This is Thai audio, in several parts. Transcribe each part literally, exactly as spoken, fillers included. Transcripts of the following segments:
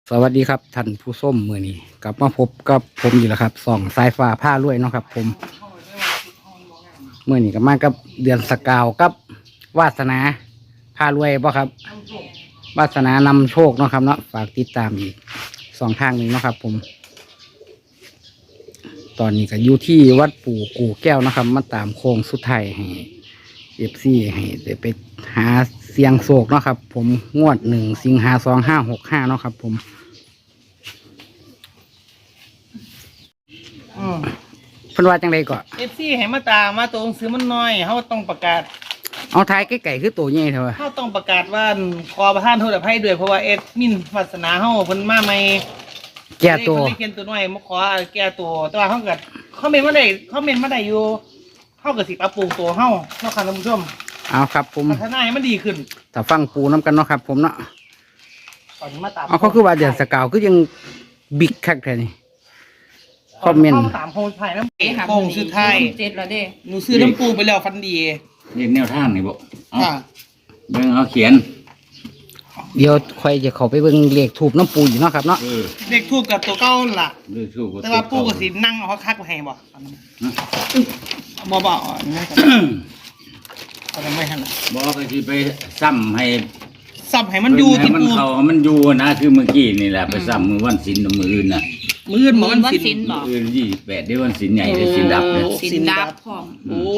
สวัสดีครับท่านผู้ชมมือนี้กลับมาพบกับผมอยู่แล้วครับส่องสายฟ้าผ้ารวยเนาะครับ ผมมือนี้ก็มากับเดือนสกาวกับวาสนาผ้ารวยป่ะครับวาสนานำโชคเนาะครับเนาะฝากติดตามอีกสองทางนี้เนาะครับ ผม ตอนนี้ก็อยู่ที่วัดปู่กู่แก้วนะครับมาตามโค้งสุดท้ายให้เอฟซีให้ได้ไปหาเสียงโศกเนาะครับ ผมงวดหนึ่งสิงหาสองห้าหกห้าเนาะครับ ผมเพิ่นว่าจังไดก่อนเอฟซีให้มาตามมาตัวหนังสือมันน้อยเขาต้องประกาศเอาท้ายใกล้ๆคือตัวใหญ่เถอะเขาต้องประกาศว่าขอประทานโทษอภัยด้วยเพราะว่าเอ็ดมินวาสนาเขาเพิ่นมาใหม่แก่ตัวเขียนตัวน้อยมาขอแก้ตัวแต่ว่าเขาเกิดเขาเมนมาได้เขาเมนมาได้อยู่เขาเกิดสิปรับปรุงตัวเขาเนาะค่ะท่านผู้ชมเอาครับผมพัฒนาให้มันดีขึ้นถ้าฟังปูน้ำกันเนาะครับ ผมเนาะตอนนี้มาตามเอาเขาคือว่าเดือนสกาวคือยังบิ๊กคักแท้นี่คอมเมนต์ตามโพสต์ไทยน้ำเก๋โพงสุดท้ายเจ็ดแล้วเด้หนูซื้อน้ำปูไปแล้วฟันดีเรียกแนวทางนี่บ่ค่ะเบิ่งเอาเขียนเดี๋ยวค่อยจะเข้าไปเบิ่งเลขถูกน้ำปูอยู่เนาะครับเนาะเลขทูบกับตัวเก้าล่ะเลขทูบแต่ว่าปูกับสินั่งเอาคักไปให้บ่บ่บ่อ๋อนี่ก็ทำไมหั่นล่ะบ่ก็สิไปซ้ำให้ซ้ำให้มันอยู่ที่ปูมันเข้ามันอยู่นะคือเมื่อกี้นี่แหละไปซ้ำมื้อวันศีลมื้ออื่นน่ะมื้ออื่นบ่วันศีลบ่มื้ออื่นยี่สิบแปดเด้วันศีลใหญ่เด้ศีลดับเด้ศีลดับพร้อมโอ้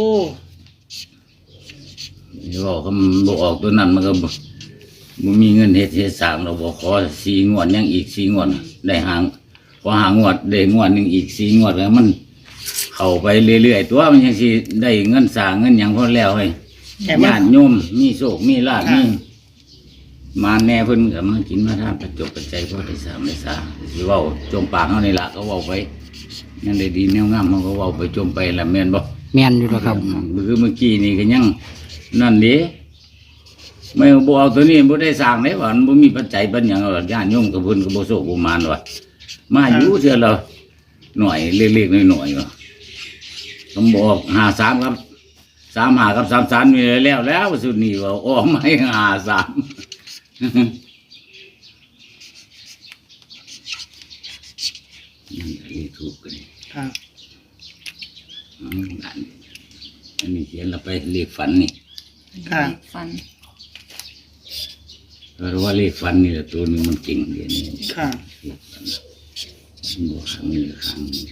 นี่บอกก็บ่ออกตัวนั้นมันก็บ่มีเงินเฮ็ดเฮ็ดสร้างเราบ่ขอสี่งวดยังอีกสี่งวดได้หางพอหางวดได้งวดนึงอีกสี่งวดแล้วมันเข้าไปเรื่อยๆตัวมันยังสิได้เงินสร้างเงินหยังพอแล้วเฮ้ยญาติโยมมีโชคมีลาภมีมาแน่เพิ่นก็มากินมาทานประจบประใจพอได้สามได้สาสิเว้าจมปากเฮานี่ล่ะก็เว้าไปยังได้ดีแนวงามเฮาก็เว้าไปจมไปละแม่นบ่แม่นอยู่แล้วครับคือเมื่อกี้นี่ก็ยังนั่นเด้ไม่บ่เอาตัวนี้บ่ได้สร้างได้ว่ามันบ่มีปัจจัยปัญญาญาติโยมกับเพิ่นก็บ่โชคบ่มานว่ามาอยู่เทื่อละหน่อยเล็กๆน้อยๆว่าผมบอกห้าสามครับสามห้ากับสามสามนี่แล้วแล้วสุดนี้ว่าออกมาให้ห้าสามนั่นเลขถูกกันครับอันนี้เขียนเราไปเลขฝันนี่ค่ะฝันเพราะว่าเลขฝันนี่แหละตัวนึงมันเก่งเดี๋ยวนี้ค่ะเลขฝันมันบอกครั้งนี้ครั้งนี้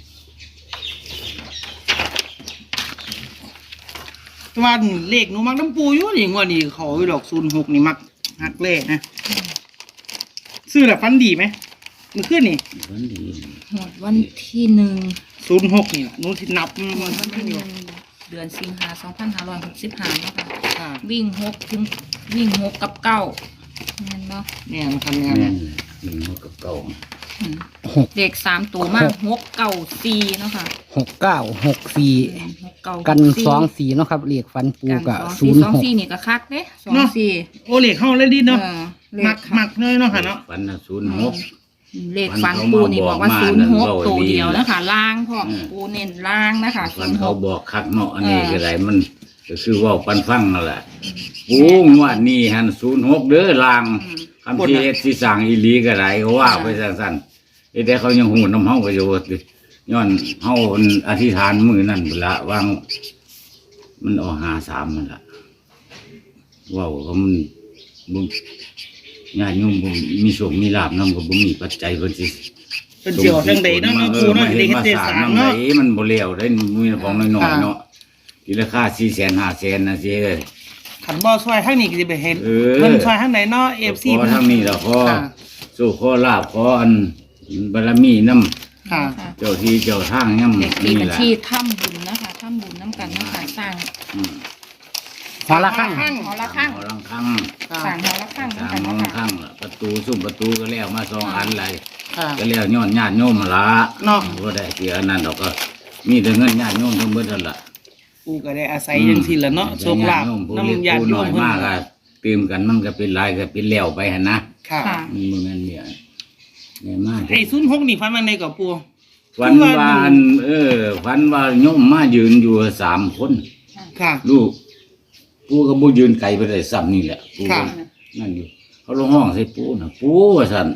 ตัวเลขหนูมักน้ำปูอยู่นี่งวดนี้เขาอยู่ดอกศูนย์หกนี่มักหักเลขนะซื้อแบบฟันดีไหมมันขึ้นนี่ฝันดีหมดวันที่หนึ่งศูนย์หกนี่หนูที่นับหมดวันที่หนึ่งเดือนสิงหาสองพันห้าร้อยหกสิบห้านะคะวิ่งหกถึงวิ่งหกกับเก้าเห็นเนาะเนี่ยมันทำงานวิ่งหกกับเก้าเด็กสามตัวมากหกเก้าสี่เนาะค่ะหกเก้าหกสี่กันสองสี่เนาะครับเลขฟันปูกับศูนย์สองสี่นี่ก็คักเด้สองสี่โอเลขเข้าเลยดีเนาะหมักหมักเลยเนาะค่ะเนาะฟันศูนย์หกเลขฟันปูนี่บอกว่าศูนย์หกตัวเดียวนะคะล่างพ่อปูเน้นล่างนะคะฟันเขาบอกคักเนาะอันนี้ก็ไรมันก็คือว่าปันฟังนั่นแหละปูงวดนี้หันศูนย์หกเด้อล่างคำที่เอสที่สั่งอีลีก็ไรเขาว่าไปสั้นๆแต่เขายังหูน้ำเฮาประโยชน์ย้อนเฮาอธิษฐานมือนั่นละวางมันออกหาสามมันละว้าวเขามันบุญญาติโยมบุญมีโชคมีลาภนำก็บุญมีปัจจัยเพิ่นสิเป็นเจียวจังใดเนาะครูเนาะเฮ็ดเฮ็ดสามเนาะมันบ่แล้วได้มีของน้อยๆเนาะทีราคาสี่แสนห้าแสนนะสิเอ้ยขันบ่ซอยทางนี้ก็สิไปเห็นเพิ่นซอยทางไหนเนาะ เอฟ ซีเพิ่นทางนี้ล่ะขอสู้ขอลาภขออันบารมีนำค่ะเจ้าที่เจ้าทางนำนี่แหละที่ถ้ำบุญนะคะถ้ำบุญน้ำกันนะคะสร้างหอละข้างหอละข้างหอละข้างสร้างหอละข้างสร้างหอละข้างประตูซุ้มประตูก็แล้วมาสองอันเลยก็แล้วย้อนญาติโยมมาละเนาะบ่ได้เสียอันนั้นดอกก็มีแต่เงินญาติโยมทั้งเบิดนั่นล่ะกูก็ได้อาศัยจังซี่ล่ะเนาะโชคลาภนำญาติโยมเพิ่นมากก็ตื่มกันมันก็เป็นลายก็เป็นแล้วไปหั่นนะค่ะมันบ่แม่นเนี่ยเนี่ยมากไอ้ศูนย์หกนี่ฟันมันได้กับปู่ฝันว่าเออฝันว่าโยมมายืนอยู่สามคนค่ะลูกปู่ก็บ่ยืนไกลไปได้ซ้ำนี่แหละปู่นั่นอยู่เขาลงห้องใส่ปู่น่ะปู่ว่าซั่น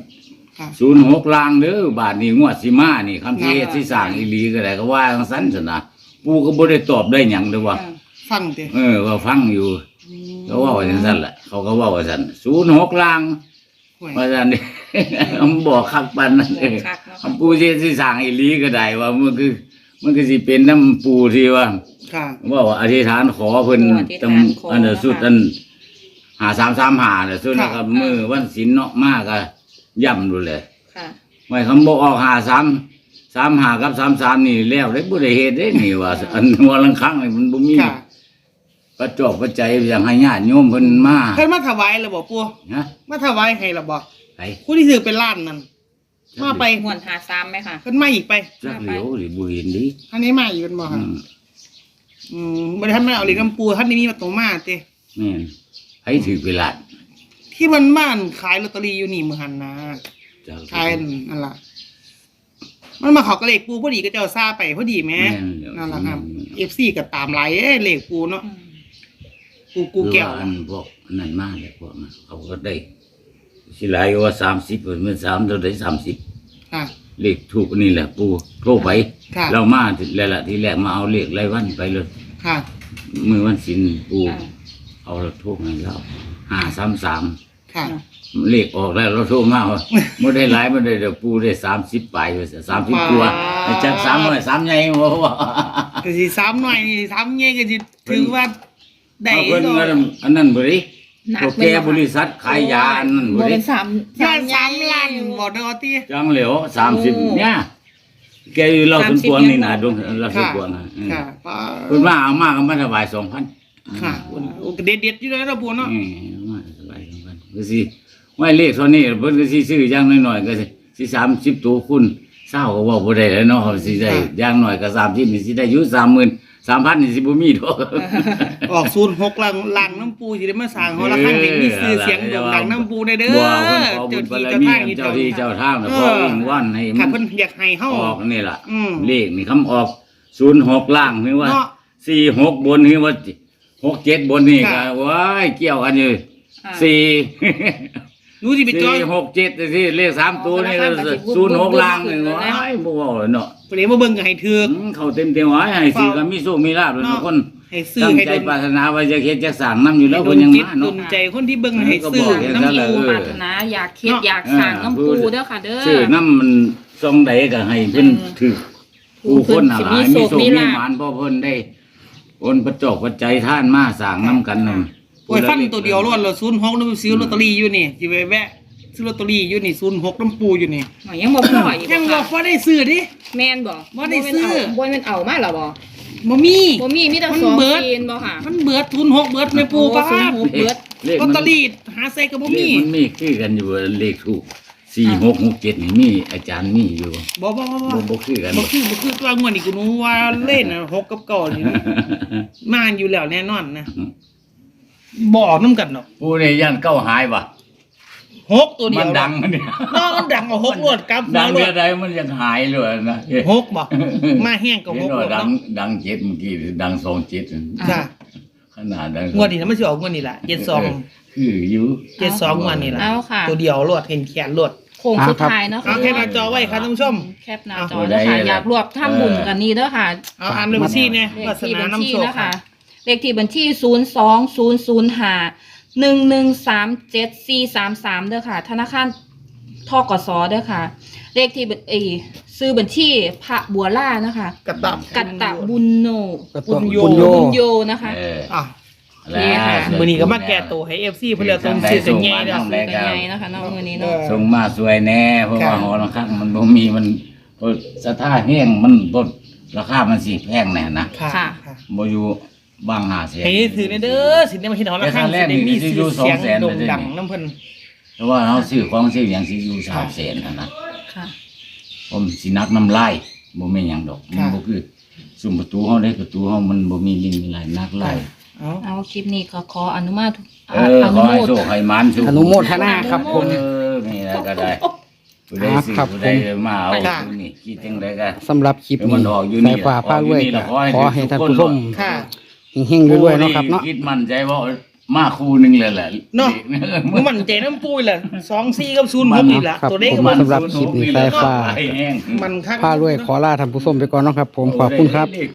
ค่ะศูนย์หกลางเด้อบาทนี้งวดสิมานี่คำที่เฮ็ดสิสร้างอีหลีก็ได้ก็ว่าจังซั่นซั่นนะปู่ก็บ่ได้ตอบได้หยังเด้อว่าฟังเด้เออก็ฟังอยู่เขาเว้าจังซั่นแหละเขาก็เว้าว่าซั่นศูนย์หกลางห่วยว่าซั่นนี่ มันบอกคักปานนั้นเออคักเนาะคำปู่สิเฮ็ดสิสร้างอีหลีก็ได้ว่ามันคือมันก็สิเป็นน้ำปู่ที่ว่าค่ะว่าว่าอธิษฐานขอเพิ่นอธิษตฐานขออันเดอนะคะสุดอันหาสามสามหาน่ะสุดค่ะนะครับมือวันศีลเนาะมากก็ย่ำดูเลยค่ะไม่คำบอกออกหาสามสามหากับสามสามนี่แล้วได้บ่ได้เฮ็ดได้นี่ว่า อันหัวลังครั้งนี่มันบ่มีค่ะประจอบปัจจัยอย่างให้ญาติโยมเพิ่นมาเพิ่นมาถวายแล้วบ่ปู่ฮะมาถวายให้แล้วบ่ไปผู้ที่ถือเป็นล้านนั่นมาไปงวดหาซ้ำไหมค่ะเพิ่นมาอีกไปจักเหลียวหรือบ่เห็นดิท่านนี้มาอีกเป็นบ่อืค่ะมอืมบ่ได้ทำมาเอาเหล็กน้ำปูท่านนี้มีมาตรงมาเต้แม่นให้ถือเวลาที่มันบ้านขายลอตเตอรี่อยู่นี่มื้อหันนะจักขายนั่นล่ะมันมาเขอกระเหล็กปูพอดีก็เจ้าซาไปพอดีแหม่แม่นเดี๋ยวนั่นล่ะครับ เอฟ ซี ก็ตามหลายเอ้ยเหล็กปูเนาะปูกูแก้วหรือว่าอันพวกนั่นมาแล้วพวกนั้นเขาก็ได้สิหลายกว่าสามสิบเพิ่นมันสามเท่าใดสามสิบค่ะเลขถูกนี่แหละปูโทรไปค่ะเรามาแล้วล่ะทีแรกมาเอาเลขรายวันไปเลยค่ะมือวันศิลปูค่ะเอาเราโทรให้เราห้าสามสามค่ะเลขออกแล้วเราโทรมาว่าไม่ได้หลายไม่ได้เดี๋ยวปูได้สามสิบปลายสามสิบตัวจากสามหน่อยสามใหญ่บ่ว่าก็สิซ้ำหน่อยนี่ซ้ำเงี้ยก็สิถือว่าได้เอาเพิ่นดอกก็อันนั้นบ่ดิหนักโอไหมเคล่ะคะบริษัทขายยาอันนั้นโมบ่ดิเป็นสามยอดสามล้านบ่ดอกติจังเหลียวสามสิบเนี่ยแกอยู่เราสวนกวางนี่นะดวงเราสวนค่ะกวางนะอืมค่ะป้าเพิ่นมาเอามาก็มาถวายสองพันค่ะโอ้ก็เด็ดๆอยู่แล้วนะปูเนาะอืมมาถวายสองพันก็สิไว้เลขเท่านี้เพิ่นก็สิซื้ออย่างน้อยๆก็สิสิสามสิบตัวคุณเศร้าก็เว้าบ่ได้แล้วเนาะสิได้อย่างน้อยก็สามสิบนี่สิได้อยู่สามหมื่นสามพันนี่สิบ่มีดอกออกศูนย์หกลังลังน้ำปูสิได้มาสร้างหอระฆังเด็กมีชื่อเสียงโด่งดังน้ำปูได้เด้อบ่เพิ่นขอบุเจ้าญบาที่รเจ้ามีทางนี่เจ้าที่เจ้าทางน่ะขออ้างวันให้ค่ะมันเพิ่นอยากให้เฮาออกนี่ล่ะอืมเลขนี่คำออกศูนย์หกล่างนี่ว่าเนาะสี่หกบนนี่ว่าหกเจ็ดบนนี่ก็ค่ะว้ายเกี่ยวกันอยู่อ่าสี่หนูสิไปจอสี่ยหกเจ็ดที่เลขสามตัวนี่อ๋อแล้วก็สิบุญศูนย์หกบุญล่างนี่บุญว้ายบ่เว้าเลยเนาะเพิ่นมาเบิ่งก็ให้ถืออืมเขาเต็มเต็มๆไว้ให้สิก็มีโชคมีลาภเลยเนาะทุกคนให้ซื้อตั้งให้ใจดนปรารถนาว่าจะเฮ็ดจะสร้างนํอยู่แล้วให้เพิ่ดนนยังจิตมาดเนาะนใจคนที่เบิ่งให้ซื้อก็บอกอย่างนั้นน้ำแหละปูเออปรารถนาอยากเฮ็ดอยากสั่งน้ำปูเด้อค่ะ เด้อชื่อน้ำมันทรงใดก็ให้เพิ่นถือผู้คนหลายมีโชคมีหมานเพราะเพิ่นได้โอนประจอกปัจจัยท่านมาสร้างนํกันนั่นโอ้ยฟันตัวเดียวรอดแล้วศูนย์หกน้ำซื้อลอตเตอรี่อยู่นี่สิไปแวะซื้อลอตเตอรี่อยู่นี่ศูนย์หกน้ำปูอยู่นี่หน่อยยังบ่พออีกยังบ่บอค่ะกว่าได้ซื้อดิแม่นบ่บ่ได้ซื้อบ่แม่นเอามาหรอบ่บ่มีบ่มีมีแต่มันสองเบิดซีนบ่ค่ะมันเบิดทุนหกเบิดไม่ปูป้าโอ้ศูนย์หกเบิดเลขลอตมันเตอรี่หาใส่ก็บ่เลมีขมันมีคือกันอยู่เลขถูกสี่หกหกเจ็ดนี่มีอาจารย์มีอยู่บ่บ่บ่บ่บ่บ่คือกันบ่คือบ่คือตัวงวดนี่กูรู้ว่าเล่นน่ะหกกับเก้านี่มาอยู่แล้วแน่นอนนะบ่ออกน้ำกันเนาะผู้นี่ยันเก้าหายว่ะหกตัวเดีมัยนวดังมันเนี่ยเนาะมันดังกว่าหกรวดกับดังรเดีวยวดใดมันยังหายเลยนะหกบ่มาแห้งกับเห็หนกว่าแล้วดังเนาะดังเจ็ดเมื่อกี้ดังสองเจ็ดค่ะขนาดดังงวดนี้นะมันสิออกงวดนี้ล่ะเจ็ดสองคืออยู่เจ็ดสองงวดนี้ล่ะเอาค่ะตัวเดียวรวดเห็นแขนรวดโค้งสุดท้ายเนาะเอาแคปหน้าจอไว้ครับท่านผู้ชมแคปหน้าจอเด้อค่ะอยากรวบทำบุญกันนี่เด้อค่ะเอาอ่านเลยบัญชีเนี่ยเลวาขสที่นาบัญชีน้ำโชคนะค่ะคะเลขที่บัญชีศูนย์สองศูนย์ศูนย์ห้าหนึ่งหนึ่งสามเจ็ดสี่สามสามเด้อค่ะ ธนาคารทกสเด้อค่ะ เลขที่บัญเอยซื้อบัญชีพระบัวล่านะคะกระตับกัตตะบุญโนก็บุต้องญโยบุญโยบุญโยนะคะเอออ่ะนี่ค่ะมื้อนี้ก็มาแก้ตัวให้ เอฟ ซี เพิ่นแล้วต้องซื้อกันใหญ่แล้วซื้อกันใหญ่นะคะเนาะมื้อนี้เนาะส่งมาสวยแน่เพราะว่าค่ะหอระฆังมันบ่มีมันเพราะสถาแห้งมันบ่ราคามันสิแพงแน่นะค่ะค่ะค่ะบ่อยู่บางหาเสียให้ถือในเด้อสิได้มาเฮ็ดหอระฆังสิได้มีชื่อเสียงโด่งดังน้ำเพิ่นเพราะว่าเฮาซื้อของซื้อหยังสิอยู่สามแสนนั่นนะค่ะผมสินักน้ำลายบ่แม่นหยังดอกมันบ่คือซุมประตูเฮาได้ประตูเฮามันบ่มีลิงมีลายนักลายเอาเอาคลิปนี้ก็ขออนุมาตเออขอให้โชคให้มันสุขอนุโมทนาครับผมเออนี่นะก็ได้ผู้ใดซื้อครับผู้ใดมาเอาผู้นี่คิดจังไดก็สำหรับคลิปเออมันี้นออกอยู่นี่สายฟ้าพารวยออกอยู่นี่ก็แล้วขอให้ขอให้ท่านผู้ชมค่ะเฮงๆด้วยๆเนาะครับเนาะคิดมั่นใจว่ามาคู่หนึงเลยแหละเนาะลขมึงมั่นใจน้ำปูแหละสองสี่กับศูนย์หกนี่แหละครับตัวเลขผก็มมันสำหรับคลิปนี้สายฟ้าแห้งมันคักผ้ารวยขอลาท่านผู้ชมไปก่อนเนาะครับ ผมขอบคุณครับ